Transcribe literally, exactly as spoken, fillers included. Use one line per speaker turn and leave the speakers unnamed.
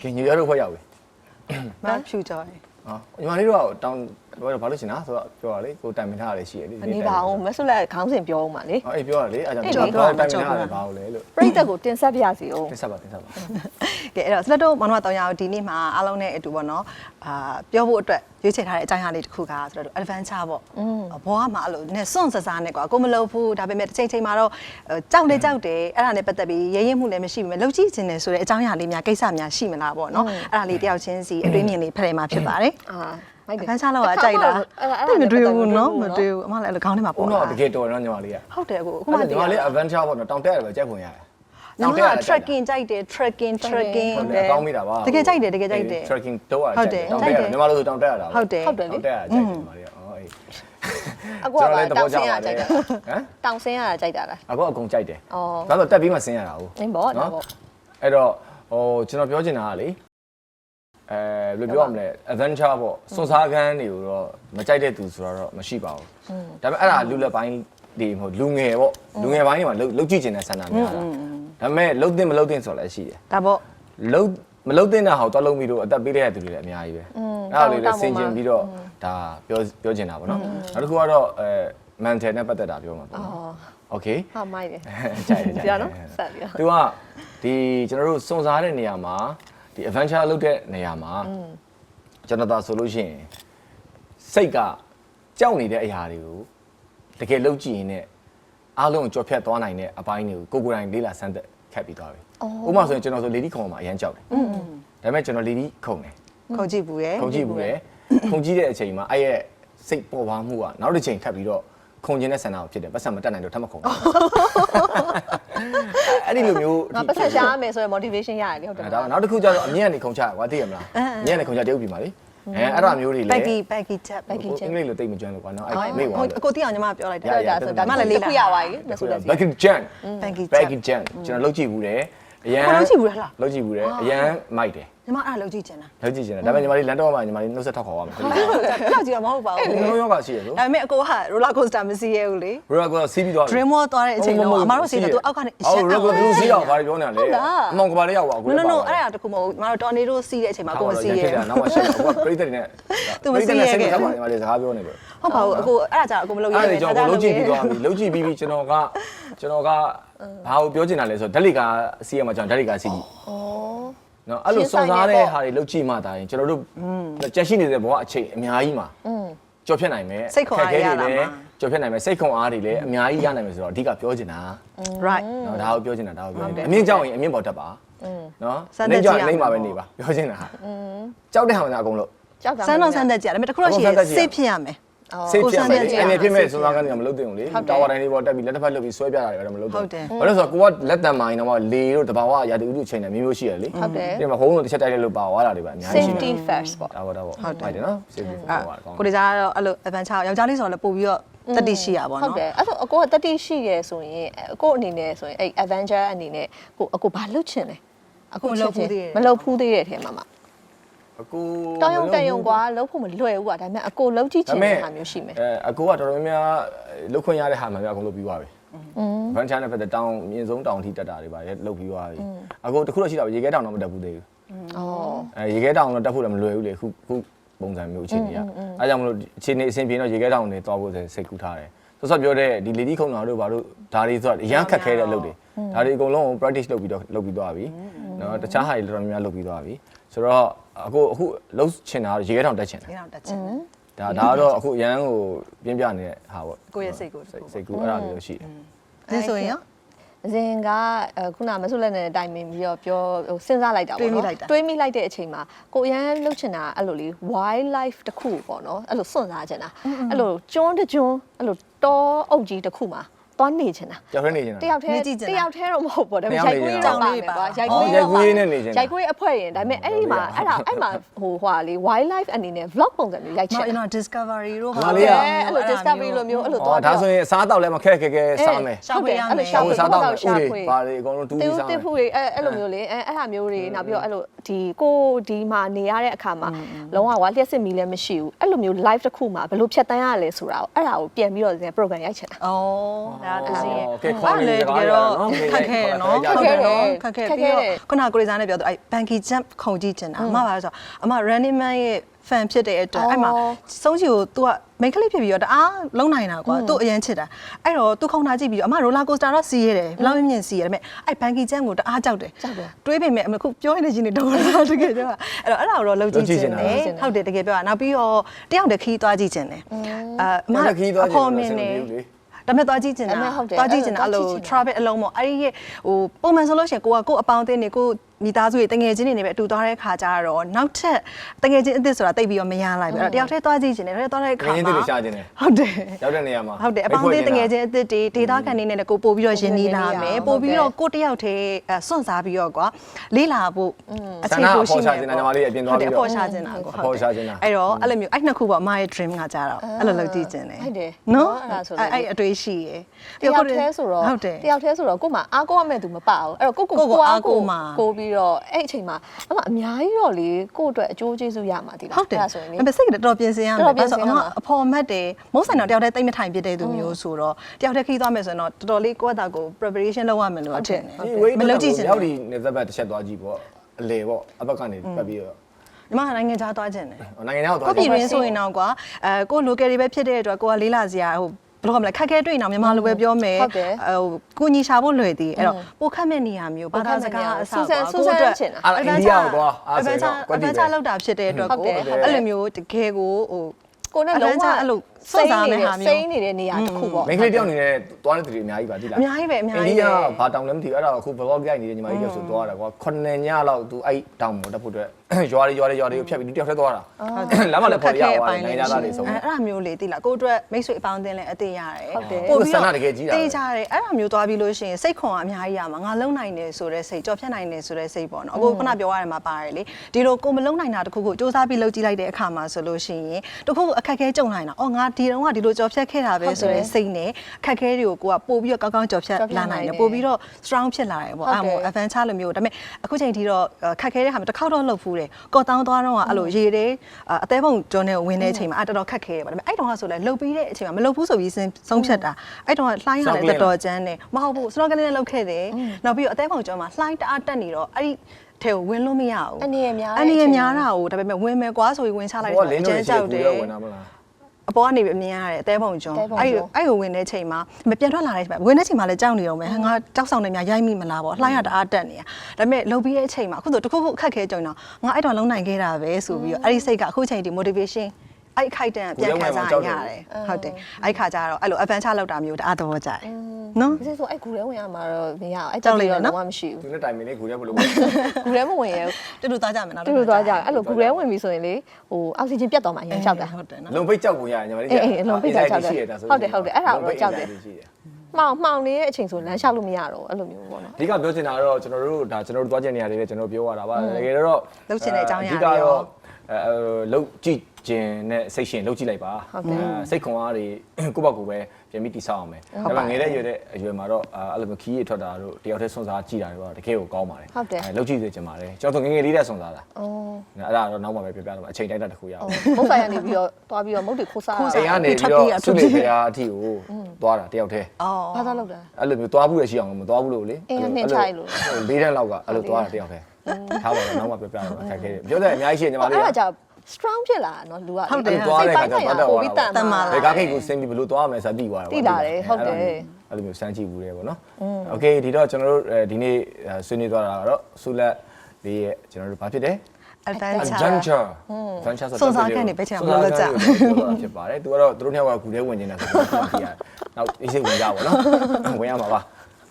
ကင်ညရတို့ဖွဲ့ရောက်ပြီ
မဖြူကြော်တယ်
ဟောညီမလေးတို့ကတောင်းဘာလို့ရှင်လားဆိုတော့ပြောရလေကိုတိုင်မင်ထားရလေရှိရလေ
အနေပါအောင်မဆုလက်ခေါင်းစဉ်ပြောအောင်ပါလေ
ဟောအေးပြောရလေအဲ့ကြောင့်ကျွန်တော်တိုင်မင်ထားရဘာလို့လဲလို့
ပြိသက်ကိုတင်ဆက်ပြစီအောင်
တင်ဆက်ပါတင်ဆက်ပါ
ကဲအဲ့တော့စလက်တို့မောင်နှမတောင်ရအောင်ဒီနေ့မှာအားလုံးနဲ့အတူပေါ့နော်အာပြောဖို့အတွက်ရွေးချယ်ထားတဲ့အကြောင်းအရာလေးတစ်ခုကဆိုတော့ adventure ပေါ့ဘောကမှအဲ့လိုနည်းစွန့်စစားနဲ့ကွာကိုမလုပ်ဘူးဒါပေမဲ့တစ်ချိန်ချိန်မှာတော့ကြောက်လေကြောက်တယ်အဲ့ဒါနဲ့ပတ်သက်ပြီးရဲရဲမှုလည်းမရှိဘူးမဲ့လှုပ်ကြည့်ခြင်းတယ်ဆိုတဲ့အကြောင်းအရာလေးများကိစ္စများရှိမလားပေါ့နော်အဲ့ဒါလေးတယောက်ချင်းစီအတွေးမြင်လေးဖလှယ်မှာဖြစ်ပါတယ်အာမိုက်တယ်ခန်းချလောက်အကြိုက်တာအဲ့မတွေ့ဘူးနော်မတွေ့ဘူးအမလည်းအဲ့လိုခေါင်းထဲမှာပေါ်လာ
တော့တကယ်တော်နော်ညီမလေးက
ဟုတ်တယ်ကိုအခု
အခု
မှ
မှ
တ
ညီ
ည်
မ
ရ
လေး adventure ပေါ့နော်တောင်တက်ရတယ်ပဲကြိုက်ဖွင့်ရတယ်
နော် trekking ကြိုက်တယ် trekking trekking
ဟုတ်တယ်ကောင်းမိတာပါ
တကယ်ကြိုက်တယ်တကယ်ကြိုက်တယ်
trekking တော့ရတယ်တောင်တက်ရတယ်ညီမတို့ဆိုတောင်တက်ရတာ
ဟုတ်တယ်
ဟုတ်တယ်လေ
တောင်တက်ရကြိုက်တယ်ညီမလေးအော်အေး
အခုကတောင်ဆင်းရကြိုက်တာ
ဟမ်
တောင်ဆင်းရတာကြိုက်တာလား
အခုအကုန်ကြိုက်တယ်
အော်
ဒါဆိုတက်ပြီးမှဆင်းရတာဟုတ်
နင်းပေါ့နော်ပေါ့
အဲ့တော့ဟိုကျွန်တော်ပြောချင်တာကလေအဲဘယ်လိုပြောရမလဲ adventure ပေါ့စွန်စားခန်းတွေကိုတော့မကြိုက်တဲ့သူဆိုတော့မရှိပါဘူးဒါပေမဲ့အဲ့ဒါလူလက်ပိုင်းဒီမဟုတ်လူငယ်ပေါ့လူငယ်ပိုင်းတွေမှာလှုပ်ကြည့်ချင်တဲ့ဆန္ဒများတာဒါပေမဲ့လှုပ်တင်မလှုပ်တင်ဆိုလည်းရှိတယ်
ဒါပေါ့
လှုပ်မလှုပ်တင်တာဟောတော့လှုပ်ပြီးတော့အသက်ပေးတဲ့သူတွေလည်းအများကြီးပဲအဲ့ဒါလေးလည်းဆင်ကျင်ပြီးတော့ဒါပြောပြောချင်တာပေါ့နော်နောက်တစ်ခုကတော့အဲ mental နဲ့ပတ်သက်တာပြောမှာပေါ့နော် okay
ဟာမိုက်တယ်
ကြိုက်တယ်ကြိုက်တယ်
ပြောနော်ဆက်ပြီး
သူကဒီကျွန်တော်တို့စုံစားတဲ့နေရာမှာဒီ adventure လုပ်တဲ့နေရာမှာကျွန်တော်သာဆိုလို့ရှိရင်စိတ်ကကြောက်နေတဲ့အရာတွေကိုတကယ်လုပ်ကြည့်ရင်လည်းအားလုံးကြော်ဖြတ်သွားနိုင်တဲ့အပိုင်းတွေကိုကိုကိုယ်တိုင်လေးလာစမ်းသက်ခတ်ပြီးသွားပြီဥပမာဆိုရင်ကျွန်တော်ဆိုလေဒီခုံမှာအရန်ကြောက်တယ်ဒါပေမဲ့ကျွန်တော်လေဒီခုံတယ်
ခုံကြည့်ဘူးရယ်
ခုံကြည့်ဘူးလေခုံကြည့်တဲ့အချိန်မှာအဲ့ရဲ့စိတ်ပေါ်ပါမှုကနောက်တစ်ချိန်ထပ်ပြီးတော့ခုံကျင်တဲ့ဆန္ဒကိုဖြစ်တယ်ပတ်စံမတက်နိုင်တော့ထပ်မခုံဘူးအဲ့ဒီလိုမျိုး
ငါပတ်ဆက်ရှားမယ်ဆိုရင် motivation ရတယ်လေဟုတ်တယ်
ဒါနောက်တစ်ခုကျတော့အမြင့်ကနေခုံချရကွာသိရမလားအမြင့်ကနေခုံချတရုပ်ပြီပါလေအဲအဲ့ဒါမျိုးတွေလေ
baggy baggy chat
အင်္ဂလိပ်လိုတိတ်မကျွမ်းလို့ကွာနော်အဲ့မိဝါ
အကိုတိအောင်ညီမပြောလိုက်တယ်
ပြောတာဆိုဒါမှလည်းလေးခုရပါပြီမဆိုလည်း
baggy jam
baggy
baggy jam ကျွန်တော်လုပ်ကြည့်ဘူးတယ်အရန်
လုပ်ကြည့်ဘူးလား
လုပ်ကြည့်ဘူးတယ်အရန်မိုက်တယ်
ညီမအဲ့ဒါလုပ်ကြည့်ချင်တာ
လုပ်ကြည့်ချင်တယ်ဒါပေမဲ့ညီမလေးလန်တော့မှညီမလေးနှုတ်ဆက်ထောက်ခေါ်ရမယ်
လောက်ကြည့်တော့မဟုတ်ပါဘူး
လုံးရောကရှိရလို့
ဒါပေမဲ့အကိုက roller coaster မစီးရဘူးလေ
ရိုလာကစီးပြီးတော့
dream world သွားတဲ့အချိန်တော့အမတို့စီးတယ်သူအောက်ကနေအရှက်
အော်ရိုလာကသူစီးတော့ဘာပြောနေလဲအမောင်ကဘာလေးရောက်ပါအခု
no no no အဲ့ဒါတခုမဟုတ်မတို့ tornado စီးတဲ့အချိန်မှာအကိုမစီးရ
နောက်မှရှက်တော့ပြိတ္တတွေနဲ့စိတ်ကပါညီမလေးစကားပြောနေပဲ
ဟုတ်ပါဘူးအကိုအဲ့ဒါကြာအကိုမလုပ်ရ
အဲ့ဒါကြောင့်ကိုလုံးကြည့်ပြီးသွားပြီလုံးကြည့်ပြီးပြီးကျွန်တော်ကကျွန်တော်ကဘာကိုပြောချင်တာလဲဆိုတော့ဓာတ်လီကာစီးရမှာကျွန်တော်ဓာတ်လီကာစီးကြည့်
ဩ
နော်အဲ့လိုစုံစားတဲ့ဟာတွေလုံးကြည့်မှဒါရင်ကျွန်တော်တို့ကြက်ရှိနေတဲ့ဘဝအချိန်အများကြီးမှာကြော်ဖြတ်နိုင်မယ်ကြော်ဖြတ်နိုင်မယ်စိတ်ခွန်အားတွေလည်းအများကြီးရနိုင်မယ်ဆိုတော့အဓိကပြောချင်တာ
right
နော်ဒါကိုပြောချင်တာဒါကိုပြောအမြင့်ကြောက်ရင်အမြင့်ပေါ်တက်ပါနော်လိမ့်ကြောက်ရင်လိမ့်ပါပဲနေပါပြောချင်တာကြောက်တဲ့ဟာကအကုန်လို့
ကြောက်တာ
စမ်းတော့စမ်းတတ်ကြတယ်ဒါပေမဲ့တခုတော့ရှိရစိတ်ဖြစ်ရမယ်
စိတ်ဖြစ်မယ်အနေဖြစ်မဲ့စုံစမ်းကနေမလုပ်တင်ဘူးလေတာဝါတိုင်းလေးပေါ်တက်ပြီးလက်တစ်ဖက်လှုပ်ပြီးဆွဲပြတာတွေတော့မလုပ်တင်ဘူးဘာလို့ဆိုတော့ကိုကလက်တံမိုင်းတော့လေတို့တဘာဝရာတူဥတုချိန်တယ်မျိုးမျိုးရှိရလေ
ဟုတ်တယ်
ဒီမှာဟုံးလို့တစ်ချက်တိုက်လိုက်လို့ပါသွားတာတွေပါအများကြီးရှိနေ
safety first ပေါ့
ဒါပေါ့ဒါပေါ့ဟုတ်တယ်နော် safety first ပါကောင်း
ကိုဒီစားကတော့အဲ့လို adventure ယောက်ျားလေးဆိုတော့လည်းပို့ပြီးတော့တတိရှိရပါ
ဟုတ်
တော့
တယ်အဲ့ဆိုအကိုကတတိရှိရဆိုရင်အကိုအနေနဲ့ဆိုရင်အဲ့ adventure အနေနဲ့ကိုအကိုဘာလုပ်ချင်လဲအခုမလုပ်ဘူးသေးတဲ့အထဲမှာမှာ
အကူ
တောင်းရုံတက်ရုံကွာလှုပ်ဖို့မလွယ်ဘူးကွာဒါပေမဲ့အကိုလှုပ်ကြည့်ချင်တဲ့ဟာမျိုးရှိမယ်
အဲအကူကတော်တော်များများလှုပ်ခွင့်ရတဲ့ဟာမှလည်းအကုန်လုပ်ပြီးသွားပြီဗန်ချာနဲ့ဖက်တဲ့တောင်းမြင့်ဆုံးတောင်းထိတက်တာတွေပါလေလှုပ်ပြီးသွားပြီအကူတခုတော့ရှိတာရေခဲတောင်တော့မတက်ဘူးသေးဘူး
ဩ
အဲရေခဲတောင်တော့တက်ဖို့လည်းမလွယ်ဘူးလေခုခုပုံစံမျိုးအခြေအနေကအဲကြောင့်မလို့အခြေအနေအဆင်ပြေတော့ရေခဲတောင်တွေသွားဖို့စိတ်ကူးထားတယ်ဆိုတော့ပြောတဲ့ဒီလေဒီခုံတော်တို့ဘာလို့ဒါတွေဆိုတာအရန်ခက်ခဲတဲ့လုပ်တွေဒါတွေအကုန်လုံး practice လုပ်ပြီးတော့လုပ်ပြီးသွားပြီနော်တခြားဟာတွေတော်တော်များများလုပ်ပြီးသွားပြီဆိုတော့အခုအခုလှုပ်ချင်တာရေခဲတောင်တက်ချင်တယ်
ဒီတော့တက်ချင်
ဒါဒါကတော့အခုရန်ကိုပြင်းပြနေတဲ့ဟာပေါ့
ကိုရဲ့စိတ်ကို
စိတ်ကူအဲ့ဒါမျိုးရှိတယ်
ဒါဆိုရင်ရော
အရင်ကခုနမဆုလက်နဲ့တိုင်ပင်ပြီးတော့ပြောဟိုစဉ်းစားလိုက်တာပေါ့နော်တွေးမိလိုက်တဲ့အချိန်မှာကိုရန်လှုပ်ချင်တာအဲ့လိုလေ wildlife တစ်ခုပေါ့နော်အဲ့လိုစွန့်စားချင်တာအဲ့လိုကျွန်းတကျွန်းအဲ့လိုတောအုပ်ကြီးတစ်ခုမှာသွားနေချင်တာ
ကြောက်ရနေချင်တာ
တယောက်တည်းတယောက်တည်းတော့မဟုတ်ပေါ့ဒါပေမဲ့ရိုက်ကွေးတော့ပါမယ်ကွာရိုက်ကွေး
ရိုက်ကွေးနဲ့နေချင်တာ
ရိုက်ကွေးအဖွဲရင်ဒါပေမဲ့အဲ့ဒီမှာအဲ့ဒါအဲ့မှာဟိုဟွာလေ wildlife အနေနဲ့ vlog ပုံစံမျိုးရိုက်ချင်
ကျွန်တော် discovery တို့
ဟုတ်တယ်အဲ့လို discovery လိုမျိုးအဲ့လို
အော်
သွား
ဒါဆိုရင်စားတော့လည်းမခက်ခဲခဲစားမယ်
ရှောက်ပေးရမယ်
ရှောက်ပေး
စားတော့ဥတွေပါလေအကုန်လုံးတူး
တေ
ပြီး
း
စားမ
တေး
ယ်
ဖူတွေအဲ့အဲ့လိုမျိုးလေအဲ့အဲ့ဟာမျိုးတွေနောက်ပြီးတော့အဲ့လိုဒီကိုဒီမှာနေရတဲ့အခါမှာလုံးဝဝါလျှက်စစ်မီလည်းမရှိဘူးအဲ့လိုမျိုး live တစ်ခုမှာဘယ်လိုဖြတ်တန်းရလဲဆိုတာကိုအဲ့ဒါကိုပြန်ပြီးတော့ program ရိုက်ချင်တာ
ဩဒါတာတစ်စီးရဲ့
ကဲခေါ်နေကြတာနော်
ခက်ခဲနော်ခက်ခဲနော်ခက်ခဲပြီးတော့ခုနကကိုရီးစားနဲ့ပြောတော့အဲ Banky Jump ခုံကြည့်ချင်တာအမပါဆိုအမ Running Man ရဲ့ fan ဖြစ်တဲ့အတွက်အဲ့မှာစုံးချီကို तू က main ကလေးဖြစ်ပြီးတော့တအားလုံးနိုင်တာကွာ तू အရင်ချစ်တာအဲ့တော့ तू ခုံထားကြည့်ပြီးတော့အမ roller coaster တော့စီးရတယ်ဘယ်လောက်မြင့်စီးရတယ်ဒါပေမဲ့အဲ့ Banky Jump ကိုတအားကြောက်တယ်တွေးပေမဲ့အခုပြောနေချင်းနေတော့တကယ်ကြောက်အဲ့တော့အဲ့ဒါတော့လုံးကြည့်ချင်တယ်ဟုတ်တယ်တကယ်ပြောတာနောက်ပြီးတော့တယောက်တည်းခီးသွားကြည့်ချင်တယ်အဲအမအဖော်မင်းနေဒါမဲ့သွားကြည့်ချင်တာသွားကြည့်ချင်တာအဲ့လို travel အလုံးပေါ့အဲ့ဒီဟိုပုံမှန်ဆိုလို့ရှိရင်ကိုကကိုအပေါင်းအသင်းတွေကိုမိသားစုတွေတငယ်ချင်းတွေနဲ့ပဲအတူသွားတဲ့ခါကျတော့နောက်ထပ်တငယ်ချင်းအစ်စ်ဆိုတာတိတ်ပြီးတော့မရလိုက်ဘူးအဲ့တော့တယောက်တည်းသွားကြည့်ချင်တယ်တယောက်သွားတဲ့ခါမှာ
ငယ်ချင်းတွေရှာချင်တယ်
ဟုတ်တယ်
ရောက်တဲ့နေရာမှာ
ဟုတ်တယ်အပေါင်းအသင်းတငယ်ချင်းအစ်စ်တွေဒေတာခံနေနဲ့ကိုပို့ပြီးတော့ရင်းနှီးလာမယ်ပို့ပြီးတော့ကိုတယောက်တည်းစွန့်စားပြီးတော့ကွာလေးလာဖို့
အခြေကိုရှိနေတယ်ညီမလေးအပြင်သွားပြီးတော့
အဖော်ရှာချင်တာကိုဟုတ်တယ်အဲ့တော့အဲ့လိုမျိုးအဲ့နှစ်ခုပေါ့အမရဲ့ dream ကကြတော့အဲ့လိုလုပ်ကြည့်ချင်တယ်
ဟုတ်တယ်
နော်အဲ့ဒါဆိုအဲ့အတွေ့ရှိရယ်
တယောက်တည်းဆိုတော့တယောက်တည်းဆိုတော့ကို့မှာအားကိုးရမဲ့သူမပအောင်အဲ့တော့ကိုကိုကိုအားကိုးမှာကိုပြီးတော့အဲ့အချိန်မှာအမအများကြီးတော့လေကို့အတွက်အကျိုးကျေးဇူးရမှာဒီလား
ဟုတ်တယ်ဆိုရင်လေစိတ်ကတော်ပြင်ဆင်ရမယ်ဘာလို့အမအဖော်မတ်တယ်မုန်းဆိုင်တော့တယောက်တည်းတိတ်မထိုင်ဖြစ်တဲ့သူမျိုးဆိုတော့တယောက်တည်းခီးသွားမယ်ဆိုရင်တော့တော်တော်လေးကိုယ့်အတာကို preparation လုပ်ရမယ်လို့အထင်တယ်
မလုပ်ကြည့်ချင်ရောက်ဒီနေသက်ဘက်တစ်ချက်သွားကြည့်ပေါ့အလေပေါ့အဘက်ကနေပတ်ပြီးတော့
ဒီမှာနိုင်ငံခြားသွားခြင်းတယ်
နိုင်ငံခြားသွား
ကိုပြည်ရင်းဆိုရင်တော့ကွာအဲကို local တွေပဲဖြစ်တဲ့အတွက်ကိုကလေးလာစရာဟိုဘယ်လိုကမလဲခက်ခဲတွေ့နေအောင်မြန်မာလိုပဲပြောမယ်ဟိုကိုညီရှာဖို့လွယ်သေးအဲ့တော့ပိုခက်မဲ့နေရမျိုးဘာသာစကားအစားပါ
ကိုအတွက်ချင်တာ
အိန္ဒိယကိုသွား
အဲ့ဒါအဗန်ချာလောက်တာဖြစ်တဲ့အတွက်ကိုအဲ့လိုမျိုးတကယ်ကိုဟို
ကိုနဲ့လုံးဝ
အဲ့လိုစိတ်စားမယ့်ဟာမျိုး
စိတ်နေတဲ့နေရာတစ်ခုပေါ့
မိန်းကလေးတယောက်အနေနဲ့သွားတဲ့သူတွေအများကြီးပါသိလား
အများကြီးပဲအများကြီး
အိန္ဒိယဘာတောင်လဲမသိဘူးအဲ့ဒါအခု vlog ရိုက်နေတဲ့ညီမကြီးတယောက်ဆိုသွားတာကွာခုနှစ်ညလောက်သူအဲ့တောင်ပေါ်တက်ဖို့အတွက်ရွာတွေရွာတွေရွာတွေကိုဖြတ်ပြီးတယောက်တည်းသွားတာလမ်းမှာလည်းပေါ်ရသွားတယ်နိုင်ငံသားတွေဆုံး
အဲ့ဒါမျိုးလေသိလားကိုအတွက်မိတ်ဆွေအပေါင်းအသင်းလည်းအသေးရတယ်
ပို့ပြီးတော့တကယ်ကြီးတာ
တေးကြတယ်အဲ့ဒါမျိုးသွားပြီးလို့ရှိရင်စိတ်ခွန်ကအများကြီးရမှာငါလုံနိုင်တယ်ဆိုတဲ့စိတ်ကြော်ဖြတ်နိုင်တယ်ဆိုတဲ့စိတ်ပေါ့နော်အခုခုနပြောရတယ်မှာပါတယ်လေဒီလိုကိုမလုံနိုင်တာတခုခုစူးစမ်းပြီးလုပ်ကြည့်လိုက်တဲ့အခါမှာဆိုလို့ရှိရင်တခုခုအခက်ခဲကြုံနိုင်တာအော်ငါဒီတော့ကဒီလိုကြော်ဖြတ်ခဲ့တာပဲဆိုတဲ့စိတ်နဲ့ခက်ခဲတွေကိုကိုကပို့ပြီးတော့ကောင်းကောင်းကြော်ဖြတ်လာနိုင်တယ်ပို့ပြီးတော့ strong ဖြစ်လာတယ်ပေါ့အဲ့မို့ adventure လိုမျိုးဒါပေမဲ့အခုချိန်ထိတော့ခက်ခဲတဲ့ဟာမှာတစ်ခေါက်တော့လှုပ်ဖူးတယ်ကော်တောင်းသွားတော့ကအဲ့လိုရေတယ်အသေးပုံကျော်နေဝင်တဲ့အချိန်မှာအတော်တော်ခက်ခဲတယ်ပေါ့ဒါပေမဲ့အဲ့တုန်းကဆိုလဲလှုပ်ပြီးတဲ့အချိန်မှာမလှုပ်ဘူးဆိုပြီးဆုံးဖြတ်တာအဲ့တုန်းကလှိုင်းရတယ်တော်တော်ကျန်းတယ်မဟုတ်ဘူး snorkeling နဲ့လှုပ်ခဲ့တယ်နောက်ပြီးတော့အသေးပုံကျော်မှာလှိုင်းတအားတက်နေတော့အဲ့ဒီထဲကိုဝင်လို့မရဘူး
အနေရများ
အနေရများတာကိုဒါပေမဲ့ဝင်မယ်ကွာဆိုပြီးဝင်ချလိုက်တော့အကျန်းကြောက်တယ်အပေါ်ကနေအမြင်ရတယ်အသေးပုံကျော်အဲ့အဲ့ကိုဝင်တဲ့ချိန်မှာမပြန်ထွက်လာတဲ့အချိန်မှာဝင်တဲ့ချိန်မှာလည်းကြောက်နေတော့မယ်ငါကြောက်ဆောင်နေများရိုက်မိမလားပေါ့လှိုင်းရတအားတက်နေတာဒါပေမဲ့လှုပ်ပြီးတဲ့အချိန်မှာအခုဆိုတခုခုအခက်ခဲကြုံတော့ငါအဲ့တော့လုံးနိုင်ခဲ့တာပဲဆိုပြီးတော့အဲ့ဒီစိတ်ကအခုချိန်ဒီ motivation အဲ့ခိုက်တန်ပြန်ခံစားရတယ်ဟုတ်တယ်အဲ့ခါကျတော့အဲ့လို adventure လောက်တာမျိုးတအားသဘောကျတယ်နော်
ဒီဆိုအဲ့ဂူထဲဝင်ရမှာတော့မရအောင်အဲ့ကြောက်လေးတော့လုံးဝမရှိဘူး
သူနဲ့တိုင်မင်းလေးဂူထဲဘယ်လို
ဂူထဲမဝင်ရ
တူတူသွားကြမယ်နော်
တူတူသွားကြအဲ့လိုဂူထဲဝင်ပြီဆိုရင်လေဟိုအောက်ဆီဂျင်ပြတ်သွားမှအရင်ကြောက်တာ
ဟုတ်တယ်နော်
လုံပိတ်ကြောက်ကုန်ရညီမလေး
အေးအေးလုံပိတ်ကြောက်ကြောက်တယ်ဟုတ်တယ်ဟုတ်တယ်အဲ့ဒါတော့ကြောက်တယ်မှောင်မှောင်နေတဲ့အချိန်ဆိုလမ်းလျှောက်လို့မရတော့အဲ့လိုမျိုးပေါ့နော်
အဓိကပြောချင်တာကတော့ကျွန်တော်တို့ဒါကျွန်တော်တို့သွားချင်နေရတယ်လေကျွန်တော်ပြောရတာပါတကယ်တော့
လှုပ်ချင်တဲ့အကြောင်းအရာ
တွေအဓိကတော့အဲလှုပ်ကြည့်ခြင်းနဲ့စိတ်ရှင်လှုပ်ကြည့်လိုက်ပါစိတ်ခွန်အားတွေကိုယ့်ဘက်ကိုပဲပြန်ပြီးတိဆောက်အောင်မယ်ဒါပေမဲ့ငယ်တဲ့ရွယ်တဲ့အရွယ်မှာတော့အဲ့လိုမျိုးခီးရထွက်တာတို့တယောက်တည်းဆွန်စားကြည့်တာတော့တကယ်ကိုကောင်းပါတယ်
အဲ
လှုပ်ကြည့်စေချင်ပါတယ်ကျွန်တော်ငယ်ငယ်လေးတည်းဆွန်စားတာဩအဲ့ဒါတော့နောက်မှပဲပြောပြတော့အချိန်တိုင်းတာတစ်ခုရအောင်
မုတ်ဆိုင်ကနေပြီးတော့သွားပြီးတော့မုတ်တွေခိုးစား
အိမ်ကနေပြီးတော့ဆုနေဖရာအထိကိုသွားတာတယောက်တည်း
ဩဘာသာလောက်တာ
အဲ့လိုမျိုးသွားဘူးရရှိအောင်မသွားဘူးလို့လေ
အဲ့လိုနှင်းချိုက်လို့
လေးတန်းလောက်ကအဲ့လိုသွားတာတယောက်တည်းထားပါတော့နောက်မှပြောပြတော့အခက်ခဲတယ်ပြောတဲ့အများကြီးရှိညီမလေး
အဲ့ဒါကြောင့် strong ဖြစ်လာနော်လူက
ဟုတ်တယ်သွားတဲ့ခါကျတော့
ပိုပြီးတန်
မာ
ဘယ်ကားခိတ်ကိုစင်ပြီးဘလို့သွားရမယ်ဆိုပြီးသွားတာ
တိလာတယ်ဟုတ်တယ်
အဲ့လိုမျိုးစမ်းကြည့်ဘူးလေပေါ့နော်โอเคဒီတော့ကျွန်တော်တို့ဒီနေ့ဆွေးနွေးသွားတာကတော့ဆူလက်လေးရဲ့ကျွန်တော်တို့ဘာဖြစ်တယ်
adventure
adventure adventure
ဆိုတော့စွန်စားခန့်နေပဲချင်မှာလို့ကြာ
ဖြစ်ပါတယ်သူကတော့သူတို့နှစ်ယောက်ကဂူထဲဝင်နေတာဆိုတော့ကြည့်ရတယ်နောက်အေးစိတ်ဝင်ကြပါဘောနော်ဝင်ရမှာပါ